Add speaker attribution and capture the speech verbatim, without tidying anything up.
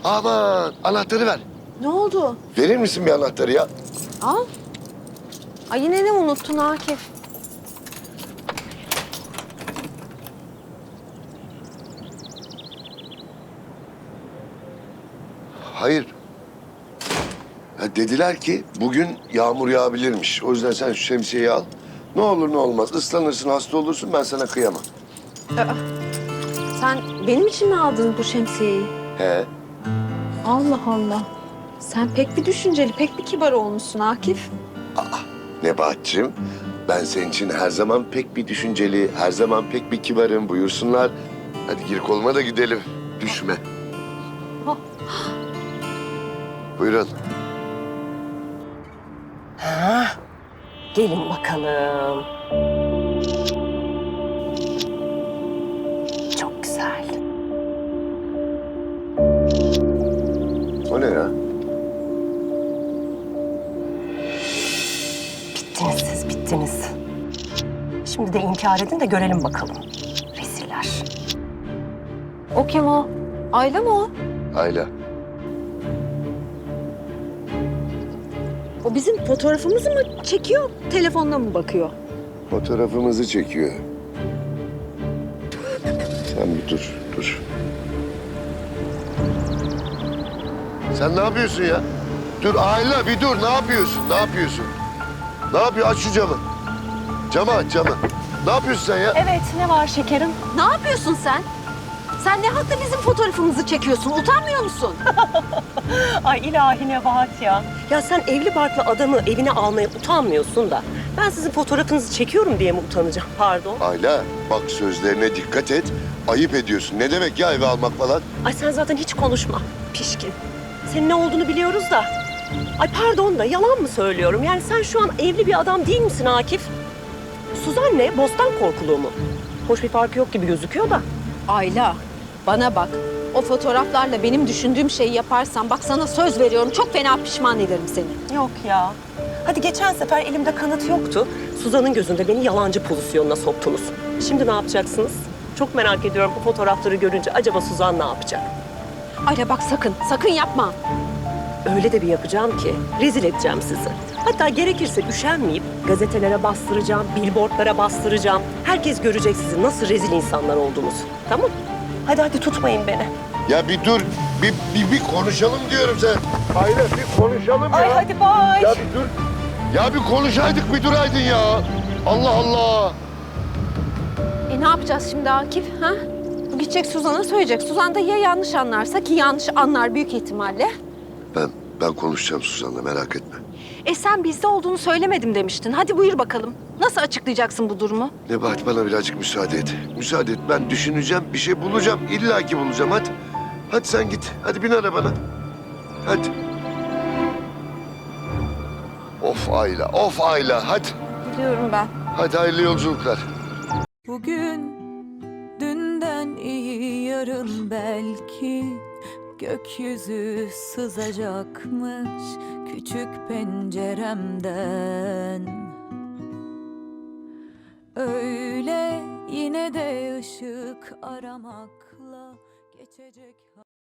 Speaker 1: Aman anahtarı ver.
Speaker 2: Ne oldu?
Speaker 1: Verir misin bir anahtarı ya?
Speaker 2: Al. Ay yine ne unuttun Akif?
Speaker 1: Hayır. Ya dediler ki bugün yağmur yağabilirmiş. O yüzden sen şu şemsiyeyi al. Ne olur ne olmaz. Islanırsın, hasta olursun, ben sana kıyamam.
Speaker 2: Aa, sen benim için mi aldın bu şemsiyeyi?
Speaker 1: He.
Speaker 2: Allah Allah. Sen pek bir düşünceli, pek bir kibar olmuşsun Akif.
Speaker 1: Nebahat'cığım, ben senin için her zaman pek bir düşünceli, her zaman pek bir kibarım. Buyursunlar. Hadi gir koluma da gidelim. Düşme.
Speaker 2: Oh.
Speaker 1: Buyurun.
Speaker 3: Ha, gelin bakalım. Çok güzel.
Speaker 1: O ne ya?
Speaker 3: Bittiniz siz, bittiniz. Şimdi de inkar edin de görelim bakalım. Reziller.
Speaker 2: O kim o? Ayla mı o?
Speaker 1: Ayla.
Speaker 2: O bizim fotoğrafımızı mı çekiyor, telefonla mı bakıyor?
Speaker 1: Fotoğrafımızı çekiyor. Sen bir dur, dur. Sen ne yapıyorsun ya? Dur Ayla bir dur. Ne yapıyorsun? Ne yapıyorsun? Ne yapıyor? Aç şu camı. Camı aç camı. Ne yapıyorsun sen ya?
Speaker 3: Evet, ne var şekerim?
Speaker 2: Ne yapıyorsun sen? Sen ne hakla bizim fotoğrafımızı çekiyorsun? Utanmıyor musun?
Speaker 3: Ay ilahi Nebahat ya. Ya sen evli barklı adamı evine almaya utanmıyorsun da... ...ben sizin fotoğrafınızı çekiyorum diye mi utanacağım? Pardon.
Speaker 1: Ayla bak sözlerine dikkat et. Ayıp ediyorsun. Ne demek ya eve almak falan?
Speaker 3: Ay sen zaten hiç konuşma. Pişkin. Senin ne olduğunu biliyoruz da. Ay pardon da yalan mı söylüyorum? Yani sen şu an evli bir adam değil misin Akif? Suzan ne? Bostan korkuluğu mu? Hoş bir farkı yok gibi gözüküyor da.
Speaker 2: Ayla, bana bak. O fotoğraflarla benim düşündüğüm şeyi yaparsan bak sana söz veriyorum çok fena pişman ederim seni.
Speaker 3: Yok ya. Hadi geçen sefer elimde kanıt yoktu. Suzan'ın gözünde beni yalancı pozisyonuna soktunuz. Şimdi ne yapacaksınız? Çok merak ediyorum bu fotoğrafları görünce acaba Suzan ne yapacak?
Speaker 2: Ayla bak sakın, sakın yapma.
Speaker 3: Öyle de bir yapacağım ki rezil edeceğim sizi. Hatta gerekirse üşenmeyip gazetelere bastıracağım, billboardlara bastıracağım. Herkes görecek sizin nasıl rezil insanlar olduğunuzu. Tamam? Hadi hadi tutmayın beni.
Speaker 1: Ya bir dur. Bir, bir, bir konuşalım diyorum sen. Ayla bir konuşalım ya.
Speaker 3: Ay hadi bay.
Speaker 1: Ya bir dur. Ya bir konuşaydık bir duraydın ya. Allah Allah.
Speaker 2: E ne yapacağız şimdi Akif? Ha? Bu gidecek Suzan'a söyleyecek. Suzan da ya yanlış anlarsa ki yanlış anlar büyük ihtimalle.
Speaker 1: Ben ben konuşacağım Suzan'la merak etme.
Speaker 2: E sen bizde olduğunu söylemedim demiştin. Hadi buyur bakalım. Nasıl açıklayacaksın bu durumu?
Speaker 1: Nebahat bana birazcık müsaade et. Müsaade et. Ben düşüneceğim, bir şey bulacağım. İlla ki bulacağım. Hadi. Hadi sen git. Hadi bin arabana. Hadi. Of Ayla, of Ayla. Hadi.
Speaker 2: Biliyorum ben.
Speaker 1: Hadi hayırlı yolculuklar.
Speaker 4: Bugün dünden iyi yarın belki gökyüzü sızacakmış küçük penceremden. Öyle yine de ışık aramakla geçecek.